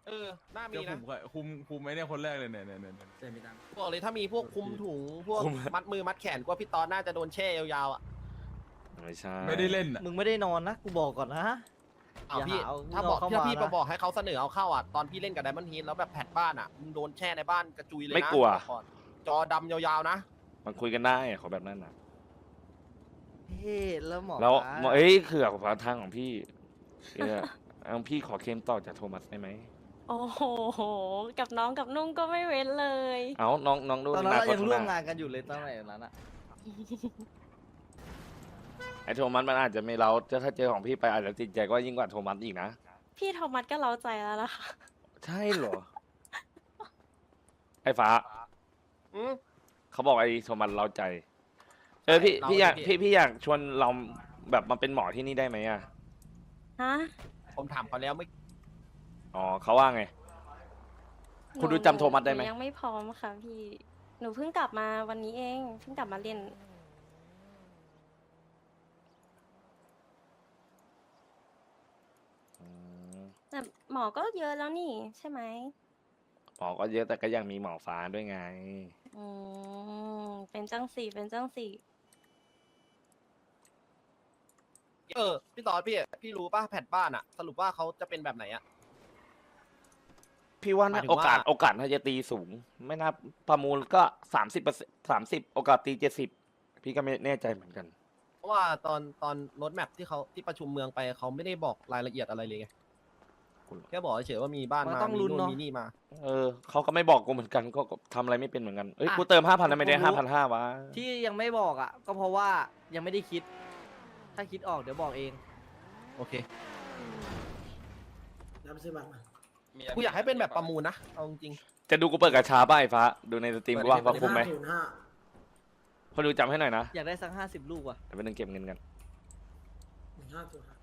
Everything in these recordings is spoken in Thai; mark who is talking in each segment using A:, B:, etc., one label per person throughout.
A: น่ามี
B: เดี๋ยว
A: นะ
B: คุมไหมเนี่ยคนแรกเลยเนี่ย
C: เต็มไปตัง
A: บอกเลยถ้ามีพวกคุมถุงพวกมัดมือมัดแขนกว่าพี่ตอนน่าจะโดนแช่ยาวๆอ่ะ
D: ไม่ใช่
B: ไม่ได้เล่นอ่ะ
E: มึงไม่ได้นอนนะกูบอกก่อนนะ
A: อ้าว
E: อย่า
A: พี่
E: หาเอา
A: ถ้าบอก
E: เข้า
A: ถ้า
E: มา
A: พี่
E: นะ
A: บอกให้เขาเสนอเอาเข้าอ่ะตอนพี่เล่นกับไดมอนด์ฮีทแล้วแบบแผดบ้านอ่ะมึงโดนแช่ในบ้านกระจุยเลยนะ
D: ไม่กลัว
A: ก่อนจอดำยาวๆนะ
D: มันคุยกันได้ขอแบบนั้นนะ
E: เฮ้แล้วหมอ
D: แล้ว
E: ปลา
D: เอ้ยคือขวาทางของพี่เอาพี่ขอเคลมต่อจากโทมัสได้ไหม
F: โอ้โห กับน้องกับนุ่งก็ไม่เว้นเลย
D: เอาน้องดู
E: ตอนนั้นเรา
D: ค
E: ยังร่วม
D: ข้ห
E: งานกันอยู่เลยตอนไหนนั้นอะ
D: ไอโทมัสมันอาจจะไม่เราถ้าเจอของพี่ไปอาจจะติดใจก็ยิ่งกว่าโทมัสอีกนะ
F: พี่โทมัสก็เล้าใจแล้วนะคะ
D: ใช่เหรอ ไอฟ้า
A: อืม
D: เขาบอกไอโทมัสเราใจ พี่อยากพี่อยากชวนเราแบบมาเป็นหมอที่นี่ได้ไหมอ่ะ
F: ฮะ
A: ผมถามเขาแล้วไม่
D: อ๋อเขาว่าไง คุณดูจำโทมัสได้ไหม
F: นูยังไม่พร้อมค่ะพี่ หนูเพิ่งกลับมาวันนี้เอง เพิ่งกลับมาเรียน
D: อืม
F: แต่หมอก็เยอะแล้วนี่ใช่ไหม
D: หมอก็เยอะแต่ก็ยังมีหมอฟ้าด้วยไง
F: อืเป็นจังสี่เป็นจังสี่
A: พี่ตอนพี่รู้ป่ะแผดบ้านอ่ะ สรุปว่าเขาจะเป็นแบบไหนอ่ะ
D: พี่ว่า
A: หมาย
D: นะ
A: ถึง
D: โอ
A: ว่า
D: กาสน่าจะตีสูง ไม่น่าประมูลก็30%โอกาสตี70พี่ก็ไม่แน่ใจเหมือนกัน
A: เพราะว่าตอนรถแมพที่เขาที่ประชุมเมืองไปเขาไม่ได้บอกรายละเอียดอะไรเลยไงแค่บอกเฉยๆว่ามีบ้าน
E: มัน
A: มา
E: ต้อง
A: มี
E: ลุ้น
A: นู่น
E: เนาะ
A: มีนี่มา
D: เขาก็ไม่บอกกูเหมือนกันก็ทำอะไรไม่เป็นเหมือนกันเอ้ย
E: อ่ะ
D: กูเติม5,000นะไม่ได้
E: ผมรู้
D: 5,500วะ
E: ที่ยังไม่บอกอ่ะ ก็เพราะว่ายังไม่ได้คิด ถ้าคิดออกเดี๋ยวบอกเอง
A: โอเค
C: รับซื้อบัตรมา
A: กูอยากให้เป็นแบบประมูลนะเอาจริง
D: จะดูกูเปิดกระชาป้าไอ้ฟ้าดูในสตรีมกูว่า
A: เปิดดิ
D: คุ้มไหม
C: 505
D: พอดูจำให้หน่อยนะ
E: อยากได้สัก50 ลูกว่ะ
D: เดี๋ยวไปนึงเก็บเงินกัน
C: 1505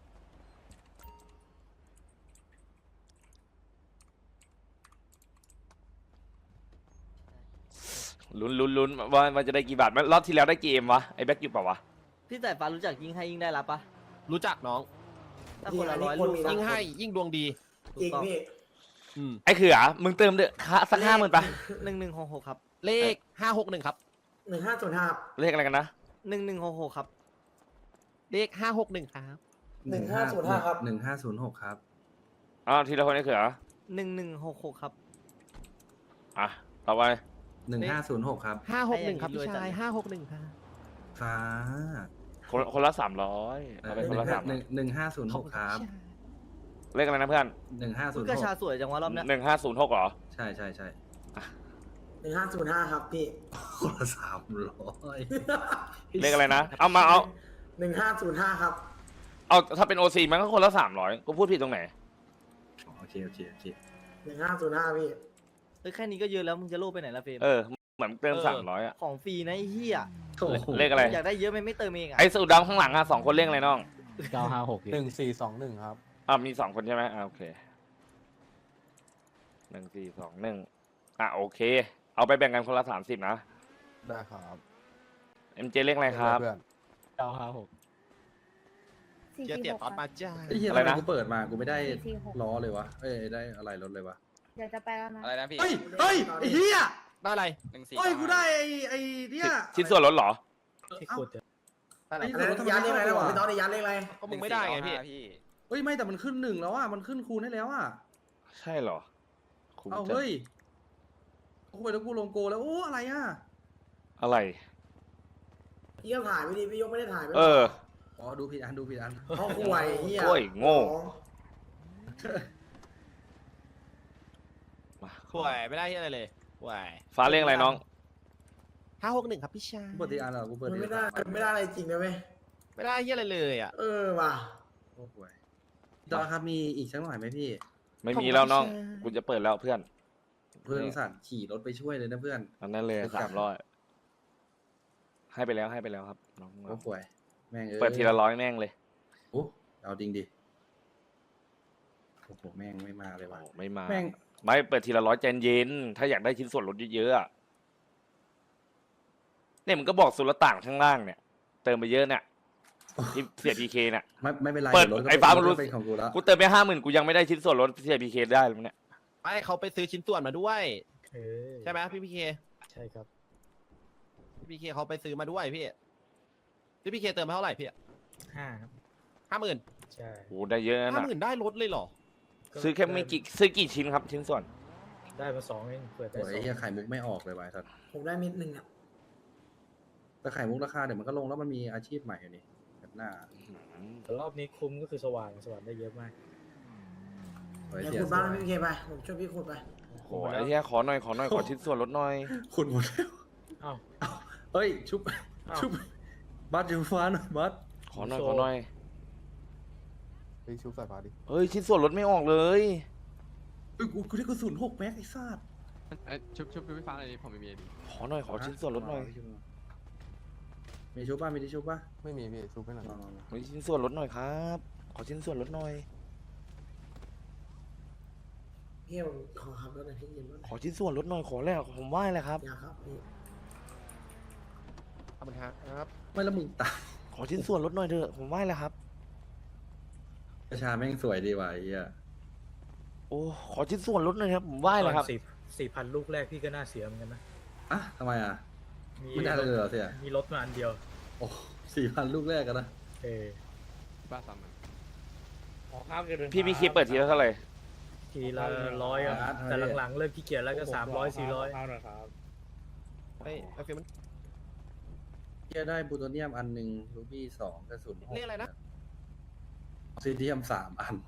D: ลุ้นว่ามันจะได้กี่บาทรอบที่แล้วได้กี่เอ็มวะไอ้แบ็คอยู่เปล่าวะ
E: พี่สายฟ้ารู้จักยิ่งให้ยิ่งได้รับปะ
A: ๆรู้จักน้อง
E: ถ้าคนละ
C: นี่
E: 100
C: คน
E: ลูก
C: มี
A: ยิ่งให้ยิ่งดวงดี
E: ถูก
C: อีก
E: ต้อง
C: พี่
D: ไอ้เขือมึงเติมเด้อค่าสัก50,000ปะ
E: 1166ครับ
A: เลข561ครับ
C: 1505
D: เลขอะไรกันนะ
E: 1166ครับ
A: เลข561ครับ
C: 1505ครับ
B: 1506ครับ
D: อ้าวทีละคนไอ้เขือ
E: 1166ครับ
D: อ่ะต่อไป
B: 1506ครับ
A: 561ครับพี่ชาย561ครับ
B: ฟ้า
D: คนละ300เอาไปคนละ
B: 1506ครับ
D: เลขอะไรนะเพื่อน
E: กระชา
B: 1506
E: สวยจังวะรอบเนี้ย
D: 1506เหรอ
B: ใช่
C: 1505ครับพี่
B: คนละ300
D: เลขอะไรนะเอา
C: 1505ครับ
D: เอาถ้าเป็นโอซีมันก็คนละ300กูพูดผิดตรงไหน
B: โอเค
C: 1505พี่
E: เฮ้ยแค่นี้ก็เยอะแล้วมึงจะโลภไปไหนล่ะเฟรม
D: เหมือนเติม300อ่ะ
E: ของฟรีนะไอ้เหี้ย
B: โอ้โห
D: เลขอะไร
E: อยากได้เยอะไม่เติมเองอ่ะ
D: ไอ้สูดดำข้างหลังอ่ะ2คนเลขอะไรน้อง
G: 1421 ครับ
D: มี2คนใช่ไหมโอเค1421โอเค เอาไปแบ่งกันคนละ30นะ
G: ได้ครับ
D: MJ เลขอะไรครับ
G: เพื่อน956
A: เจอเตี๋ยตอนมาจ้า
B: ไอ้เหี้ย
D: อะไร
B: ทำไม
D: นะ
B: กูเปิดมากูไม่ได้
H: 446
B: ล้อเลยวะได้อะไรรถเลยวะ
H: เดี๋ยวจะไปแล้วนะ
I: อะไรนะพี่
B: เฮ้ยไอ้เหี้ย
A: ได้อะไร
I: 14
B: เฮ้ยกูได้ไอ้เนี่ย
D: ชิ้นส่วนลดเหรอ
B: เอ้า
A: ได้อะไร
B: ไอ้
C: อันนั้นยันเลขอะไรนะบอกพี่ตอนนี้ยันเลขอะไร
A: ก็มึงไม่ได้ไงพี่
I: พี่
B: เฮ้ยไม่แต่มันขึ้น1แล้วอ่ะมันขึ้นคูณให้แล้วอ่ะ
D: ใช่เหรอคุ้ม
B: เอา
D: จัง
B: เฮ้ยโอ้ยแล้วกูลงโกแล้วโอ้อะไรอ่ะ
D: อะไร
C: พี่ก็ถ่ายไม่ดีพี่ยกไม่ได้ถ่ายไม่
B: อ๋อดูผิดอัน
C: เขาห่วยเฮีย
D: โอ้ยโง่ มา
A: ห่วยไม่ได้ที่อะไรเลยห่วย
D: ฟ้าเลขอะไรน้อง
A: 561ครับพี่ชาย
B: กูเปิดทีอันเหรอกูเปิด
C: มัน
B: ที
C: ไม่ได้อะไรจริงนะเว้ย
A: ไม่ได้ที่อะไรเลยอ่ะ
C: ว่ะ
B: โอ้โหจอครับมีอีกสักหน่อยไหมพี่
D: ไม่มีแล้วน้องกูจะเปิดแล้วเพื่อน
B: เพื่อนสัตว์ขี่รถไปช่วยเลยนะเพื่อน
D: อันนั้นเลย
B: ไปกลับ
D: 300ให้ไปแล้วครับน้อง
B: โอ้ป่วยแม่งเอ้ย
D: เปิดทีละ100แม่งเลย
B: โอ้เอาจริงดิโอ้โหแม่งไม่มาเลยว่ะ
D: โอ้ไม่มา
B: แม่ง
D: ไม่เปิดทีละ100ใจเย็นถ้าอยากได้ชิ้นส่วนลดเยอะๆอะเนี่ยมันก็บอกสุลต่านข้างล่างเนี่ย เติมไปเยอะเนี่ยที่เสียพีเคเนี่ย
B: ไม่เป็นไร
D: เปิด
B: ดี๋ยวรถก็
D: ไอ้ฟ้ามันรู้
B: เป็นของกูแล้ว
D: กูเติมไป50,000กูยังไม่ได้ชิ้นส่วนลดเสียพีเคได้เลยเนี่ย
A: ไม่เขาไปซื้อชิ้นส่วนมาด้วย
H: เออ
A: ใช่ไหมพี่พีเค
H: ใช่ครับ
A: พี่พีเคเขาไปซื้อมาด้วยพี่พีเคเติมมาเท่าไหร่พี่
H: 5 ครับ
A: 50,000
H: ใช่
D: โหได้เยอะนะ
A: 50,000ได้รถเลยเหรอ
D: ซื้อแค่ไม่กี่ซื้อกี่ชิ้นครับ ชิ้นส่วน
H: ได้มา2เองเปิด
B: โอ้
H: ได้
B: ยไอ้เหี้ย
H: 2
B: ไข่มุกไม่ออกเลยวายสัตว์
C: ผมได้เม็ดหนึ่งอ่ะ
B: แต่ไข่มุกราคาเดี๋ยวมันก็ลงแล้วมันมีอาชีพใหม่อยู่นี่แบบหน้า
H: แต่รอบนี้คุ้มก็คือสว่างได้เยอะมาก
B: โอ้ย
C: เดี๋ยว
B: เสีย
C: ขุดบ้านพี่เคไป ผมช่วยพี่ขุดไป
D: โหไอ้เหี้ยขอหน่อยขอชิ้นส่วนลดหน่อย
B: คุณหมดแล้ว
H: อ้าว
B: เฮ้ย ชุบ
H: อ้าว
B: ชุบ บัสอยู่ฟ้าหน่อยบัส
D: ขอหน่อย
G: เฮ้ยชุบสายฟ้าดิ
D: เฮ้ยชิ้นส่วนลดไม่ออกเลย
B: เฮ้ยกูได้กระสุน6 แม็กไอ้สัตว์
G: ชุบพี่ฟ้าอะไรผมไม่มีดิ
D: ขอหน่อยขอชิ้นส่วนลดหน่อย
B: มีชุบป่ะมีที่ชุบป่ะ
G: ไม่มีพี่ชุบไม่หน่อย
B: มา
D: มีชิ้นส่วนลดหน่อยครับ ขอชิ้นส่วนลดหน่อย
C: พี่ผมขอขับรถหน่อยพี่ยืนรถหน่อย
D: ขอชิ้นส่วนลดหน่อยขอแล้วผมไหว้เลยครับ
C: อยากครับพี่
A: ขอบคุณครับ
B: ไม่แล้วมึงตาย
D: ขอชิ้นส่วนลดหน่อยเถอะผมไหว้แล้วครับ
B: ประชาแม่งสวยดีว่ะไอ้เหี้ย
D: โอ้ขอชิ้นส่วนลดหน่อยครับผมไหว้เลยครับ
H: 4,000 ลูกแรกพี่ก็น่าเสียเหมือนกันนะ
B: อ่ะทำไมอ่ะ
H: มี
B: ไม่ได้เลยเหรอเสีย
H: มีรถมาอันเดียว
B: โอ้4,000 ลูกแรกกันนะ
H: เออ
G: บ้าซ้ำ
D: พี่พีเคเปิดทีละเท่าไหร่
H: ทีละ100ครับแต่หลังๆเริ่มขี้เกียจแล้วก็300 400
A: เฮ้ยไอฟิลมัน
B: เหี้ยได้บูโตเนียมอันหนึ่งรูบี้2กระสุน6
A: เรียกอะไรนะ
B: ซีเดียม3 อัน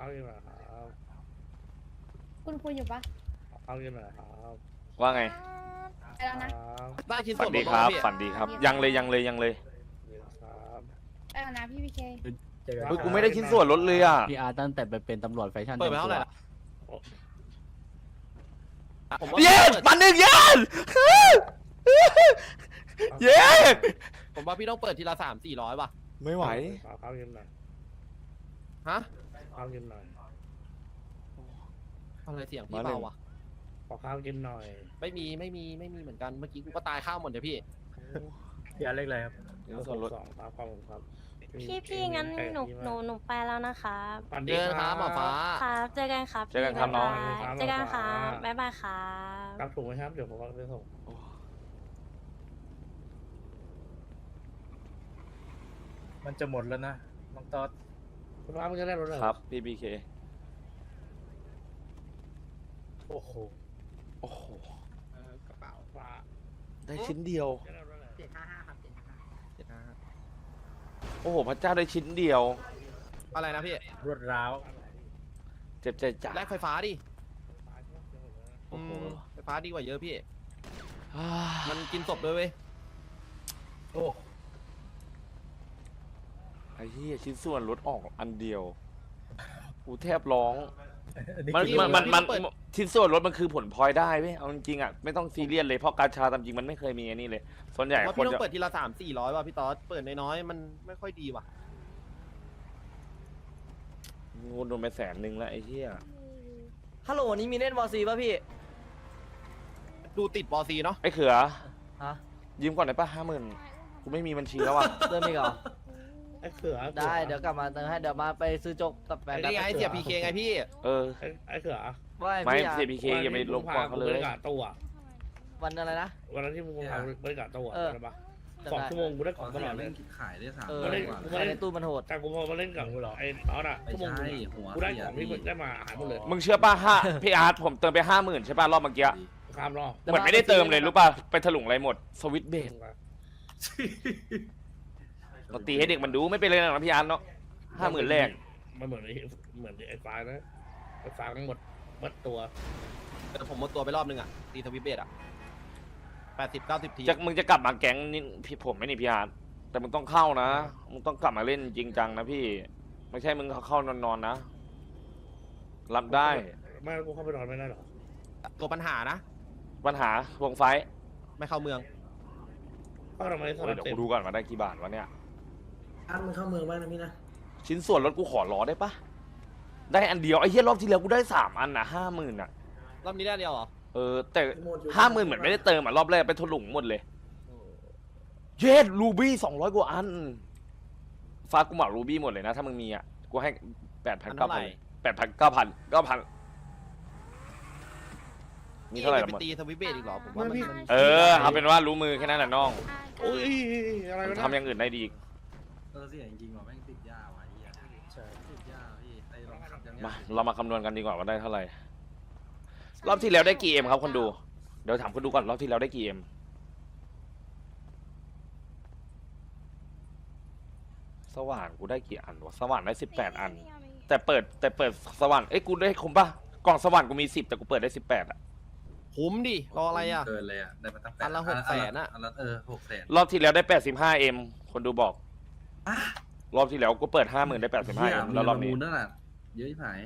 F: คุณคุยอยู่ปะ
D: ว่าไง
F: ไปแล้วนะ
A: ได้ชิ้น
D: ฝั
A: ส่
D: น
A: วน
D: ดี
A: ล
D: ครับ
A: พี่
D: ฝันดีครับ ยังเลย
F: ไปแล้วนะพี่พีเค
H: เจอกัน
D: เฮ้ยกูไม่ได้ชิ้นส่วนลดเลยอ่ะ
G: พี่อาร์ตั้งแต่ไปเป็นตำรวจแฟชั่น
A: เปิดไปเท่าไหร่ล่ะผมว่า
D: เย้มันหนึ่งเย้เย้
A: ผมว่าพี่ต้องเปิดทีละ300-400ป่ะ
D: ไม่ไหว
A: ฮะอะไรเสียงพี่เบาว่ะ ไม่มีเหมือนกัน เมื่อกี้กูก็ตายข้าวหมดเลยพี่
H: พี่อาร์ตเล็กอะไรครับ
D: ชิ้นส่วนลด
F: พี่งั้นหนูไปแล้วนะคะ
A: เจอกันครับหมอฟ้า
F: ครับเจอกันครับ
D: เจอกันครับน้อง
F: เจอกันครับบ๊ายบายครับ
H: รับถูกไหมครับ เดี๋ยวผมไปส่ง มันจะหมดแล้วนะน้องต๊อด
D: ครับพี่พีเค
H: โอ้โห
D: โอ้โหได้ชิ้นเดียว โอ้โหพระเจ้าได้ชิ้นเดียว
A: อะไรนะพี่
H: รวดร้าว
D: เจ็บใจจัด
A: แลกไฟฟ้าดิ
D: โอ้โห
A: ไฟฟ้าดีกว่าเยอะพี่
D: อ่า
A: มันกินศพด้วยเว้ย
H: โอ้
D: ไอ้เหี้ยชิ้นส่วนลดออกอันเดียวกูแทบร้อง
H: อันนี้
D: มัน
H: คือ
D: มันชิ้นส่วนลดมันคือผลพลอยได้เว้ยเอาจริงๆอ่ะไม่ต้องซีเรียสเลยเพราะการชาตามจริงมันไม่เคยมีอันนี้เลย ส่วนใหญ่
A: ว่า
D: ค
A: พี่
D: น
A: ต้อง
D: จะ
A: เปิดทีละ300-400ว่ะพี่ต๊อดเปิดน้อยๆมันไม่ค่อยดีว่ะ
D: งูโดนไป100,000แล้วไอ้เหี้ย
E: ฮัลโหลนี้มีเล่นวอซีป่ะพี่
A: ดูติดบอซีเนาะ
D: ไอ้เขือ
E: ฮะ
D: ยืมก่อนได้ปะ50,000กูไม่มีบัญชีแล้วอ่ะ
E: เติมอีกเหรอได้เดี๋ยวกลับมาเติมให้เดี๋ยวมาไปซื้อโจ๊กกับแฟน
A: นี่ไงเสียพีเคไงพี่
D: เออ
E: ว่า
D: ไม่
E: พี่อา
D: เสียพีเคอย่าไปลบกวนเขาเลย
E: วันอะไรนะ
I: วันนั้นที่มึงทำบริการตัว
E: เออ
I: ใช่ปะ
E: จำได้
I: 2 ชั่วโมงกูได้ของตลอดเล
B: เล่
I: ย
B: นขายได้3
E: เออ
I: มาเล่น
B: กว่า
E: ใครในตู้มันโหด
I: แต่กูพอมาเล่นกับไอ้ตอนอ่ะ
B: ไม่
I: ชั่วโมง
B: ใช่
I: นึง
B: หัว
I: กูได้
B: เสี
I: ข
B: ย
I: องที่ได้มาหายหมดเลย
D: มึงเชื่อป่ะพี่อาร์ตผมเติมไป50,000ใช่ป่ะรอบเมื่อกี้
I: ข้ามรอบ
D: เหมือนไม่ได้เติมเลยรู้ป่ะไปถลุงอะไรหมดสวิตช์เบสเราตีให้เด็กมันดูไม่เป็นไรหรอกนะพี่อาร์ตเนาะ50,000แรก
I: มันเหมือนไอ้ไฟล์นะไอ้ไฟล์มันหมดตัว
A: แต่ผมหมดตัวไปรอบนึงอ่ะตีทวิตเบสอ่ะ80-90 ที
D: มึงจะกลับมาแก๊งนี่พี่ผมไม่นี่พี่อาร์ตแต่มึงต้องเข้านะมึงต้องกลับมาเล่นจริงจังนะพี่ ไม่ใช่มึงเข้านอนๆนะ รับได้
I: ไม่กูเข้าไปนอนไม่ได้หรอ
A: ตัวปัญหานะ
D: ปัญหาวงไฟท์
A: ไม่เข้าเมือง
I: เข้าทำไมส
D: โอ้ย
I: ลับ
D: เดี๋ยว
I: เต็
D: กู
I: ม
D: ดูก่อนมาได้กี่บาทวะเนี่ย
C: อันมันเข้าเมืองบ้างนะพี่นะ
D: ชิ้นส่วนรถกูขอล้อได้ปะได้อันเดียวไอ้เหี้ยรอบที่แล้วกูได้3 อันนะ50,000อ่ะ
A: รอบนี้ได้เดียวเหรอ
D: เออแต่
C: หมดอยู่
D: 50,000เหมือนไม่ได้เติมอ่ะรอบแรกไปถลุงหมดเลยเย็ดรูบี้200 กว่าอันฟ้ากูเหมารูบี้หมดเลยนะถ้ามึงมีอ่ะกูให้ 8,000
A: อันเท่าไหร่
D: 9,000 8,000 9,000 มีเท่าไหร่
A: ไป
D: หมด
A: ตีสวิตช์เบสอีกเหรอผมว่ามัน
D: เออเอาเป็นว่ารู้มือแค่นั้นแหละน้อง
I: โอ้ยอะไร
D: มั
I: วะ
D: น
I: นะ
D: ทำอย่างอื่นได้ดีอีก
B: เสียจริงๆว่ะแม่งติดยาว่ะไอ้เหี้ย
H: ใช่
B: ติดยาพี่ไอ้ลองขับยังไง
D: มาเรามาคำนวณกันดีกว่าว่าได้เท่าไหร่รอบที่แล้วได้กี่เอ็มครับคนดูเดี๋ยวถามคนดูก่อนรอบที่แล้วได้กี่เอ็มสว่านกูได้กี่อันวะสว่านได้18 อัน แต่เปิดสว่านเอ้ยกูได้คุ้มป่ะกล่องสว่านกูมี10แต่กูเปิดได้18อ่ะ
A: คุ้มดิรออะไรอ่ะ
B: เกินเลยอ่ะได้มาตั้ง
A: อันละ600,000อะ
B: อันละ600,000
D: รอบที่แล้วได้85เอ็มคนดูบอกรอบที่แล้วกูเปิด50,000ได้85เอ็มแล้วรอบนี้
B: นั่นน่ะเยอะที่ผาย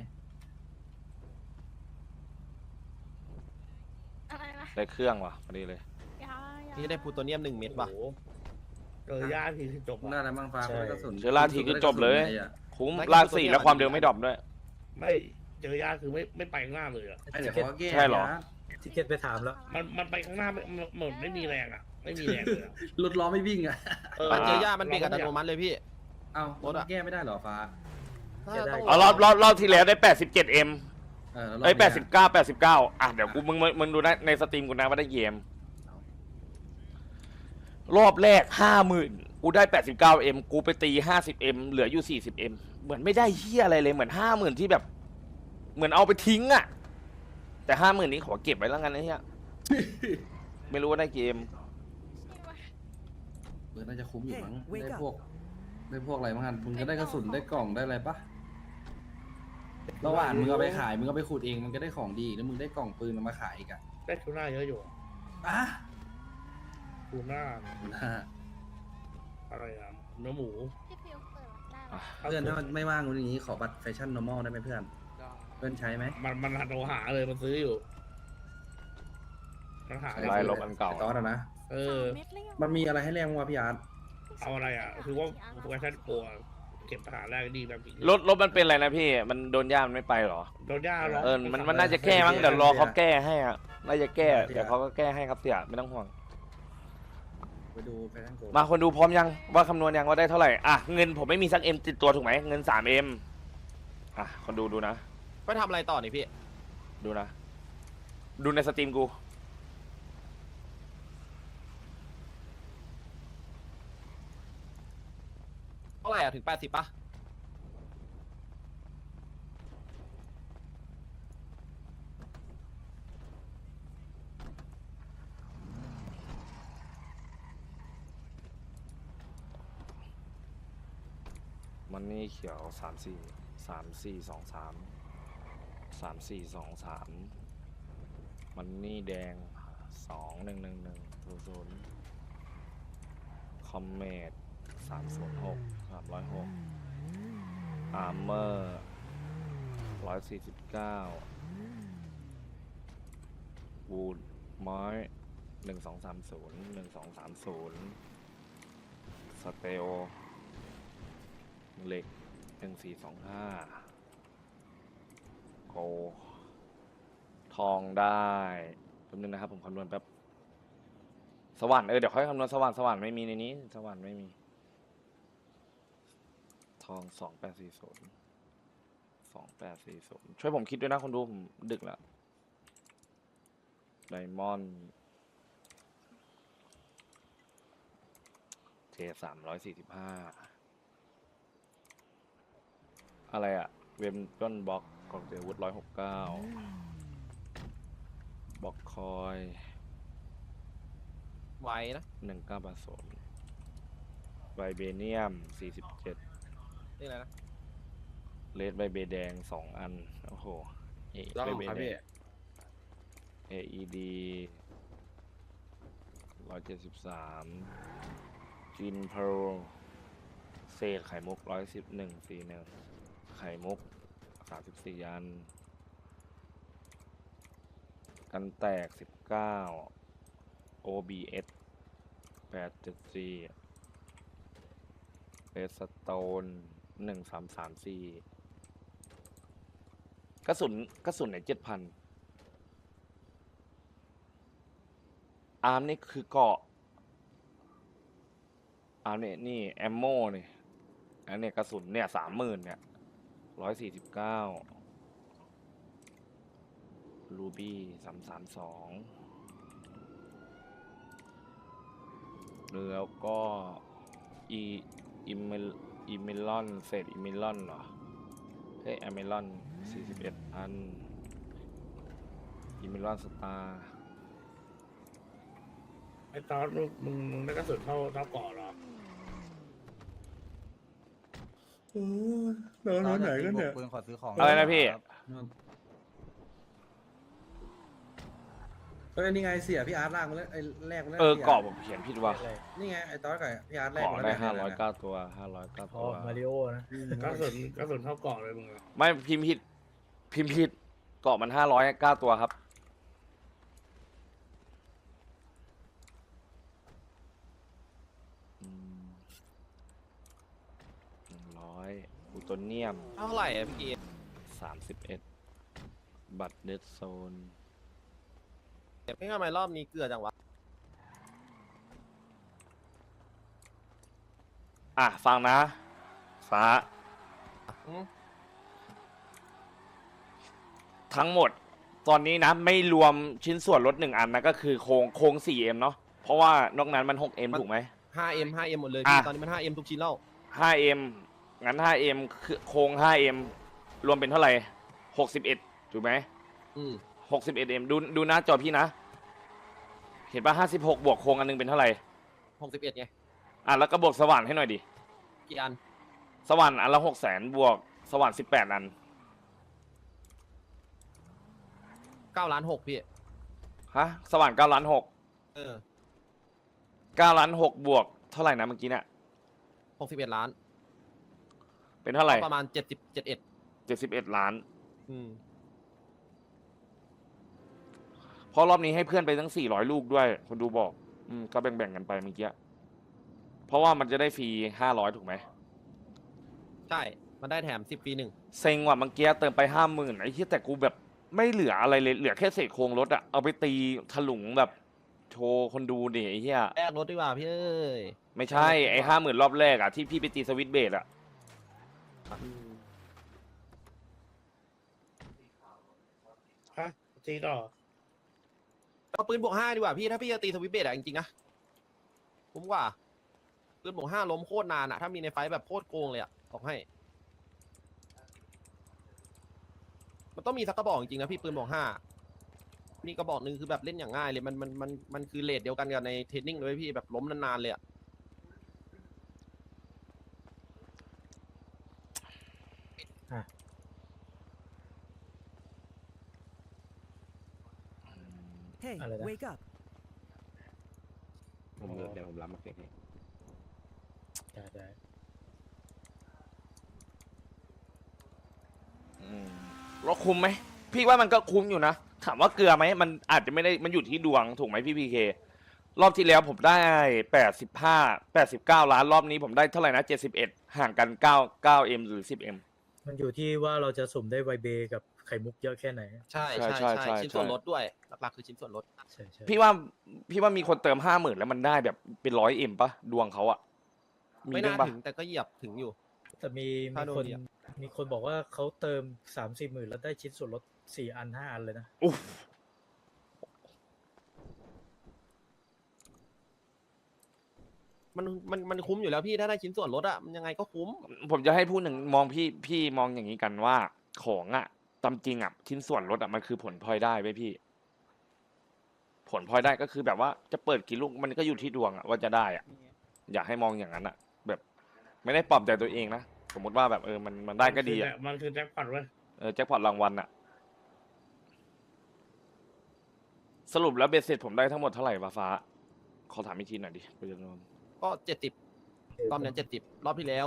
F: อะไรนะ
D: ได้เครื่องว่ะพอดีเลย
A: พี่ได้พลูโตเนียม1 เม็ดว่ะ
I: โอ้โหเจอยาทีคือจบ
B: น่า
I: อะ
B: อะไรบ้างฟ้าได้กระสุน
D: เชื้อราทีคือจบเลย คุ้มลาก4แล้วความเร็วไม่ดรอปด้วย
I: ไม่เจอยาคือไม่ไปข้างหน้าเลยอะ
B: ไอ้เดี๋ยวเขาก็แก้
D: ใช่เหรอ
H: ทิเก็ตไปถามแล้ว
I: มันไปข้างหน้ามันเหมือนไม่มีแรงอะไม่มีแรงเลยอะ
B: รถล้อไม่วิ่งอ่ะ
A: มันเจอย่ามันเบรกอัตโนมัติเลยพี่
B: เอ้ารถแก้ไม่ได้เหรอฟ้า
A: ถ้าต้อง
D: อ๋อรอบที่แล้วได้87เอ็ม
B: แล้วรบ
D: เอ้ย
B: นี้
D: 89อ่ะเดี๋ยวกูมึงดูนะในสตรีมกูนะว่าได้กี่เอ็มรอบแรก50,000กูได้89เอ็มกูไปตี50เอ็มเหลืออยู่40เอ็มเหมือนไม่ได้เฮียอะไรเลยเหมือน50,000ที่แบบ เหมือนเอาไปทิ้งอ่ะแต่50,000นี้ขอเก็บไว้แล้วกันนะเฮียไม่รู้ว่าได้กี่เอ็ม
B: น่าจะคุ้มอยู่มั้งได้พวกอะไรบ้างกันมึงก็ได้กระสุนได้กล่องได้อะไรปะระหว่างมึงเอาไปขายมึงก็ไปขุดเองมันก็ได้ของดีแล้วมึงได้กล่องปืนมาขายอีกอ่ะ
I: ได้ทูน่าเยอะอยู่
B: อ่ะ
I: ทูน่าอะไรอะเนื้อหมู
F: พี่พิวเปิดได้เหรอ
B: เพื่อนถ้ามันไม่ว่างวันนี้ขอบัตรแฟชั่น normal ได้ไหมเพื่อนเพื่อนใช้ไหม
I: มันหัดเราหาเลยมันซื้ออยู่มันหา
D: ไล่ลบอันเก่า
B: ไอ้ตอสอะนะ
I: เออ
F: เม็ดเลยเหรอ
B: มันมีอะไรให้แรงวะพี่อาร์ต
I: เอาอะไรอ่ะคือว่าโปรแกรมโปรเก็บปัญหาแรกดีแบบนี้
D: รถมันเป็นอะไรนะพี่มันโดนย่ามันไม่ไปเหรอ
I: โดนย่าร้อง
D: มันน่าจะแก้มั้งเดี๋ยวรอเขาแก้ให้อ่ะน่าจะแก้เดี๋ยวเขาก็แก้ให้ครับเสี่ยไม่ต้องห่วง
B: ไปดูแฟชั่นโก
D: มาคนดูพร้อมยังว่าคำนวณยังว่าได้เท่าไหร่อ่ะเงินผมไม่มีสักเอ็มติดตัวถูกไหมเงิน3เอ็มอ่ะคนดูนะ
A: ไปทำอะไรต่อนี่พี่
D: ดูนะ ดูในสตรีมกู
A: เท่าไหร่อะถึง80ป่ะ
D: มันนี่เขียว3423มันนี่แดง211100คอมเมด306อาร์เมอร์149วูดไม้1230สเตลเหล็ก1425โกทองได้แป๊บนึงนะครับผมคำนวณแป๊บสว่านเดี๋ยวค่อยคำนวณสว่านไม่มีในนี้สว่านไม่มีทอง2840ช่วยผมคิดด้วยนะคนดูผมดึกแล้วไดมอนด์เจ345อะไรอะเวมต้นบล็อกกองเจวุฒ169บล็อกคอย
A: ไวนะ
D: 1980ไวเบเนียม47
A: นี่อะไรนะ
D: เลดไวเบแดง2อันโอ้โหไวเบแดง AED 173จินเพลเศษไข่มุก11141ไข่มุก34อันกันแตก19 OBS 874เรสโตน1334กระสุนไหน7,000อาร์มนี่คือเกาะอาร์มเนี่ยนี่แอมโม่นี่อันเนี้ยกระสุนเนี่ย30,000เนี่ย149 รูบี้332แล้วก็อีเมลอนเศษอีเมลอนเหรอเฮ้ยอเมลอน41อันอีเมลอนสตาร์
I: ไอ้ตอนมึงได้กระสุนเท่าเกาะเหรอ
G: ตอนไหนกันเนี่ยปืนขอซื้อของ
D: อะไรนะพี่
B: เฮ้ยนี่ไงเสียพี่อาร์ตลากมาแล้วไอ้แรกมาแล้ว
D: เกาะผมเขียนผิดว่ะ
B: นี่ไงไอ้ตอนกับพี่อาร์ตแรก
D: เกาะ
B: มา
D: ได้
B: แล้วเนี่ย
D: 509ตัว509
H: อ๋
D: ตั
H: อ
D: ว
H: มาริโอนะ
I: กระสุนเท่าเกาะเลยมึงอะ
D: ไม่พิมพ์ผิดเกาะมัน509ตัวครับ100อูโตเนียม
A: เท่าไหร่อะพี่เกม
D: 31บัตรเดดโซน
A: ไม่ทำไมรอบนี้เกลือจังวะ
D: ฟังนะฟ้า
A: อืม
D: ทั้งหมดตอนนี้นะไม่รวมชิ้นส่วนรถ1อันนะก็คือโครง 4M เนาะเพราะว่านอกนั้นมัน 6M ถูกไหม
A: 5M หมดเลยพี่ ตอนนี้มัน 5M ทุกชิ้นแล้ว
D: 5M งั้น 5M คือโครง 5M รวมเป็นเท่าไหร่61ถูกไหม
A: อืม
D: 61M ดูหน้าจอพี่นะ เห็นป่ะ56บวกโครงอันนึงเป็นเท่าไหร่
A: 61ไง
D: แล้วก็บวกสว่านให้หน่อยดิ
A: กี่อัน
D: สว่านอันละ600,000บวกสว่าน18อัน
A: 9 ล้าน 6พี่
D: สว่าน9ล้าน6
A: เออ
D: 9ล้าน6บวกเท่าไหร่นะเมื่อกี้เนี่ย
A: 61 ล้าน
D: เป็นเท่าไหร่
A: ประมาณ71
D: 71ล้าน
A: อืม
D: เพราะรอบนี้ให้เพื่อนไปทั้ง400ลูกด้วยคนดูบอกก็แบ่งๆกันไปเมื่อกี้เพราะว่ามันจะได้ฟรี500ถูกไหม
A: ใช่ มันได้แถม10 ปี 1
D: เซ็งว่ะเมื่อกี้เติมไป50,000ไอ้ที่แต่กูแบบไม่เหลืออะไรเลยเหลือแค่เศษโครงรถอะเอาไปตีถลุงแบบโชว์คนดูดิไอ้เหี้ย
A: แลกรถดีกว่าพี่เอ้ย
D: ไม่ใช่ไอ้50,000รอบแรกอะที่พี่ไปตีสวิตช์เบสอะ
I: ฮะจีต่อ
A: เอาปืนบวก 5ดีกว่าพี่ ถ้าพี่จะตีสวิตช์เบสอะจริงๆนะคุ้มกว่า ปืนบวก 5 ล้มโคตรนานอะถ้ามีในไฟท์แบบโคตรโกงเลยอะบอกให้ มันต้องมีสักกระบอกจริงๆนะพี่ปืนบวก 5นี่กระบอกหนึ่งคือแบบเล่นอย่างง่ายเลยมันคือเรทเดียวกันกับในเทรนนิ่งเลยพี่แบบล้มนานๆเลยอะ
H: อะไรนะ
G: เดี๋ยวผมรับมาเก็บให้
H: ได้
D: แล้วคุ้มไหมพี่ว่ามันก็คุ้มอยู่นะถามว่าเกลือไหมมันอาจจะไม่ได้มันอยู่ที่ดวงถูกไหมพี่พีเครอบที่แล้วผมได้89ล้านรอบนี้ผมได้เท่าไหร่นะ71ห่างกัน9M หรือ 10M
H: มันอยู่ที่ว่าเราจะสุ่มได้ไวเบกับไข่มุกเยอะแค่ไหน
A: ใช่
D: ใช่
A: ใช่
D: ใช่
A: ใช่
D: ใช่
A: ชิ้นส่วนลดด้วยหลักๆคือชิ้นส่วนลด
H: ใช่ใช่
D: พี่ว่ามีคนเติม50,000แล้วมันได้แบบเป็น100M ปะดวงเขาอะมี
A: ไม่
D: บ้า
A: น่าง
D: ปะ
A: ถึงแต่ก็เหยียบถึงอยู่
H: แต่มี
A: ถ้าโดน
H: คน
A: เหยียบ
H: มีคนบอกว่าเขาเติม3-4 หมื่นแล้วได้ชิ้นส่วนลด4 อัน 5 อันเลยนะ
D: อุ๊ฟ
A: มันคุ้มอยู่แล้วพี่ถ้าได้ชิ้นส่วนลดอะมันยังไงก็คุ้ม
D: ผมจะให้พูดหนึ่งมองพี่มองอย่างนี้กันว่าของอะตามจริงอะชิ้นส่วนลดอะมันคือผลพลอยได้ไว้พี่ ผลพลอยได้ก็คือแบบว่าจะเปิดกี่ลูกมันก็อยู่ที่ดวงอะว่าจะได้อะอยากให้มองอย่างนั้นอะแบบ ไม่ได้ปลอบใจตัวเองนะสมมติว่าแบบมันได้ก็ดีอะ
I: มันคือแจ็คพอตเว้ย
D: แจ็คพอตรางวัลอะสรุปแล้วเบสเสร็จผมได้ทั้งหมดเท่าไหร่วะฟ้าขอถามอีกทีหน่อยดิไปจำนวน
A: ก็70รอบนี้70รอบที่แล้ว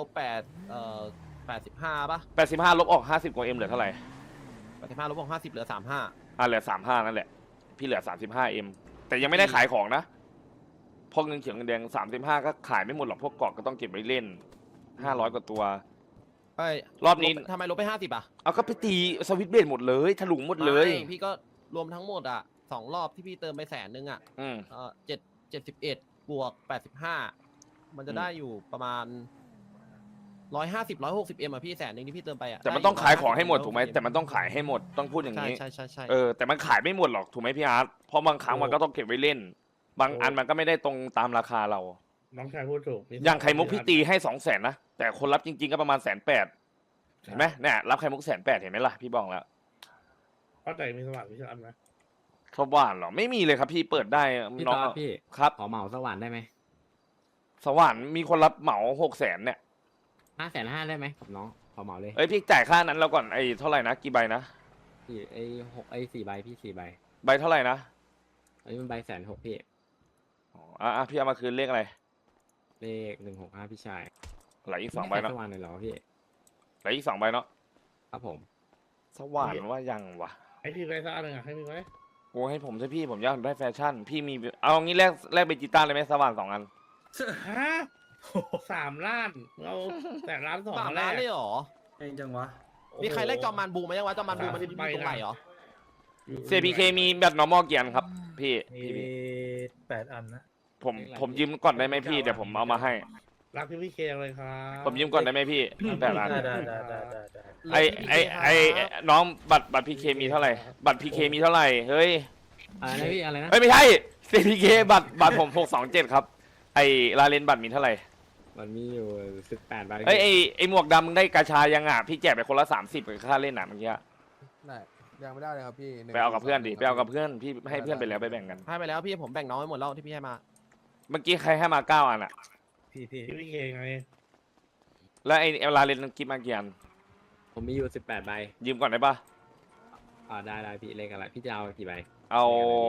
A: 85ป่ะ
D: 85ลบออก50กว่า M เหลือเท่าไหร่
A: 85ลบวก50เหลือ35
D: เหลือ35นั่นแหละพี่เหลือ35M แต่ยังไม่ได้ขายของนะพวกเงินเขียวเงินแดง35ก็ขายไม่หมดหรอกพวกเกาะก็ต้องเก็บไว้เล่น500กว่าตัว
A: เอ้ย
D: รอบนี้
A: ทำไมลบไป50อ่ะ
D: เอาก็ไปตีสวิตช์เบสหมดเลยถลุงหมดเลย
A: ไม่พี่ก็รวมทั้งหมดอ่ะ2รอบที่พี่เติมไป100,000อ่ะ
D: อืม
A: 71บวก85มันจะได้อยู่ประมาณ 150 160Mอ่ะพี่100,000ที่พี่เติมไปอ่ะ
D: แต่มันต้องขายของให้หมดถูกไหมแต่มันต้องขายให้หมดต้องพูดอย่าง
A: ใช่
D: นี้
A: ใช่ใช่ใช่
D: แต่มันขายไม่หมดหรอกถูกไหมพี่อาร์ตเพราะบางครั้งมันก็ต้องเก็บไว้เล่น บางอันมันก็ไม่ได้ตรงตามราคาเรา
I: น้องชายพูดถูก
D: อย่างไข่มุกพี่ตีให้200,000นะแต่คนรับจริงๆก็ประมาณ180,000เห็นไหมเนี่ยรับไข่มุก180,000เห็นไหมล่ะพี่บอกแล้ว
I: เข้าใจมีสว่างวิชาอันไหม
D: สว่านเหรอไม่มีเลยครับพี่เปิดได้
G: พี่
D: น้
G: ต
D: อง
G: อดพี่
D: ครับ
G: ขอเหมาสว่านได้ไหม
D: สว่านมีคนรับเหมา600,000เนี่ย
G: 550,000ได้ไหมกับน้องขอเหมาเลย
D: เอ้ยพี่จ่ายค่านั้นแล้วก่อนไอ้เท่าไหร่นะกี่ใบนะ
G: พี่4 ใบพี่4 ใบ
D: ใบเท่าไหร่นะ
G: อันนี้มันใบ160,000พี่
D: อ๋อพี่เอามาคืนเลขอะไร
G: เลข165พี่ชาย
D: เหลืออีก2ใบ
G: ไม่
D: เนาะ
G: สว่านเลยเหรอพี่
D: เหลืออีก2ใบเนาะ
G: ครับผม
D: สว่านว่ายังวะ
I: ให้พี่ไปสักอันหนึ่งอ่ะให้พี่ไว้
D: โอ้ให้ผมใช่พี่ผมอยากได้แฟชั่น พี่มีเอางี้แลกเบจิต้าเลยไหมสว่าน2 อัน
I: ฮะ3 ล้านเราแต่ล้าน2
A: 3
I: แร
A: ล้าน
I: ก
A: เลยเหรอ
B: เองจังวะ
A: มีใครแลกจอมมันบูมายังวะจอมมันบูมัน
I: 30
A: มี
I: ใบ
A: ตรงไหนเหรอ
D: CPK มีแบบ normal กี่อันครับ พี่
H: มี8 อันนะ
D: ผมยืมก่อนได้ไหมพี่เดี๋ยวผมเอามาให้
I: รักพี่เคเลยครับ
D: ผมยืมก่อนได้ไหมพี่แต่ละอัน
H: ได้
D: ไอน้องบัตรพีเคมีเท่าไหร่ บัตรพีเคมีเท่าไหร่เฮ้ย
G: อะไรนะพี่อะไรนะ
D: เอ้ยไม่ใช่ CPK บัตรผม627ครับไอลาเลนบัตรมีเท่าไหร่
G: มันมีอยู่18 ใบ
D: เอ้ยไอหมวกดำมึงได้กาชายังอ่ะพี่แจกไปคนละ30กับค่าเล่นอ่ะเมื่อกี้
J: ได้ยังไม่ได้เลยครับพี่
D: ไปเอากับเพื่อนดิไปเอากับเพื่อนพี่ให้เพื่อนไปแล้วไปแบ่งกัน
A: ให้ไปแล้วพี่ผมแบ่งน้องไว้หมดแล้วที่พี่ให้มา
D: เมื่อกี้ใครให้มา9 อันอ่ะ
H: พี่
I: พี่เคไง
D: แล้วไอลาเลนกิฟมากี่อัน
G: ผมมีอยู่18 ใบ
D: ยืมก่อนได้ปะ
G: ได้พี่เลขอะไรพี่จะเอากี่ใบ
D: เอา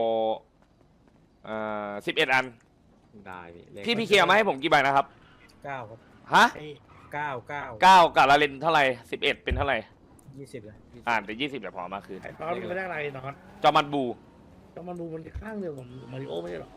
D: 11 อัน
G: ได้พี่เลข
D: พี่พีเคเอามาให้ผมกี่ใบนะครับ
H: 9 ครับ
D: ฮะ
I: ไอ้
H: 9
D: 9กับลาเลนเท่าไหร่11เป็นเท่าไหร่
H: 20เลย
D: แต่20เดี๋ยวพอเอามาคืน
I: ไอ้ตอนมันไม่ได้อะไรนอน
D: จอมันบู
I: ก็มันดูมันข้างเดียวกับมาริโอไม่ใช่หรอ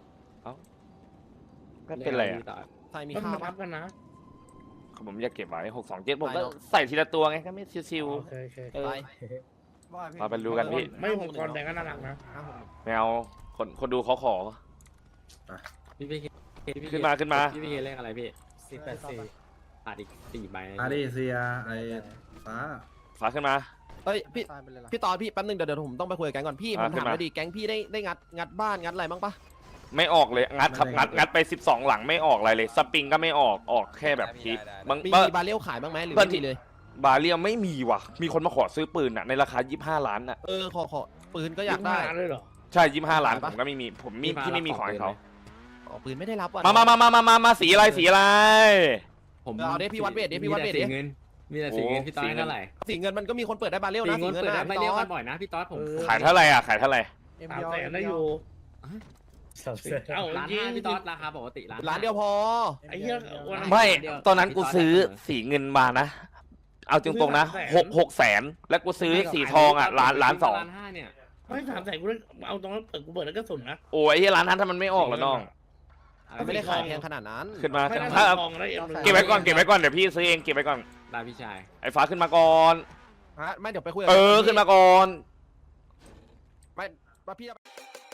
D: ก็เป็นไรอ่ะ
G: พี่ต่อ
A: ใส่มี
I: ก็
A: ค่า
I: มัน
A: ปะ
I: ทับกันนะ
D: ผมอยากเก็บไว้627ผมก็
A: ไปเนอะ
D: ใส่ทีละตัวไงก็ไม่ชิว
I: โอเค
D: ๆเออ
A: ไป
D: มาไปดูกันพี่
I: ไม่ผมกรแดงก็น่ารักนะ
D: ไม่เอาคนดูเขาขอ
G: พี่พี่
D: ขึ้นมา
G: พี่พี่เลขอะไรพี่
H: 484
G: ขาดอีก4 ใบ
B: อาดิเซียไอฟ้า
D: ฝากขึ้นมา
A: เอ้ยพี่
J: ตายไปเลยล่ะ
A: พี่ตอนพี่แป๊บนึงเดี๋ยวผมต้องไปคุยกับแก๊งก่อนพี่ผม
D: ขึ้
A: ถาม
D: นมา
A: หน่อยดิแก๊งพี่ได้งัดบ้านงัดอะไรบ้างปะ
D: ไม่ออกเลยงัดครับงัดไป12หลังไม่ออกอะไรเลยสปริงก็ไม่ออกแค่แบบพีบาง
A: มีบาเรลขายบ้างไหมหรือ
D: เพื่อน
A: ไม่
D: ที่
A: มีเลย
D: บาเรียไม่มีว่ะ มีคนมาขอซื้อปืนอ่ะในราคา25 ล้านอ่ะ
A: ขอปืนก็อยากได้
I: 25 เลยเหรอ
D: ใช่25 ล้าน
A: ขาย
D: ผ
A: ปะ
D: มก็ไม่มีผมมีที่ไม่มีของให้เขา
A: ปืนไม่ได้รับว่ะ
D: มาสีอะไร
G: ผม
A: เอาดิพี่วัดเวทดิพี่วัดเวทดิ
G: มีแต่สีเงินมีแต่สีเงิน
D: โอ้
G: พี่ต้อ
D: สี
G: ย
D: เงิน
G: เท่าไหร่
A: สีเงินมันก็มีคนเปิดได้บาเรล
G: สี
A: นะ
G: เงินเปิดได้
A: นะ
G: ไม่
A: พี่
G: เรียก
A: ตอ
G: กัน นบ่อยนะพี่ต๊อดผม
D: ขายเท่าไหร่อ่ะ
I: 300,000ได้อยู่
H: 300,000
I: เอ้า
G: ร้าน
I: จริง
G: 5พี่ต๊อดราคาปกติ
A: ร้านเดียวพอ
I: ไอ้เหี้ยวันนั้น
D: ไม่ตอนนั้นกูซื้อสีเงินมานะ เอาจริงๆนะ6แสนแล้วกูซื้อสีทองอ่ะล้าน2
G: ล้าน5เนี่ย
I: ไม่300,000กูได้เอาตรงนั้นกูเปิดแล้วก็สุนนะ
D: โอ้ยที่ร้านนั้นถ้ามันไม่ออกแล้วน้อง
A: ไม่ได้ขายแพงขนาดนั้น
D: ขึ้นมา
I: ไม่ได้
D: ถ้า
I: ทองได้เอ็ม
D: เก็บไว้ก่อนเดี๋ยวพี่ซื้อเองเก็บไว้ก่อน
G: ได้พี่ชาย
D: ไอ้ฟ้าขึ้นมาก่อน
A: ฮะไม่เดี๋ยวไปคุยกับ
D: ขึ้นมาก่อน
A: ไม่ว่าพี่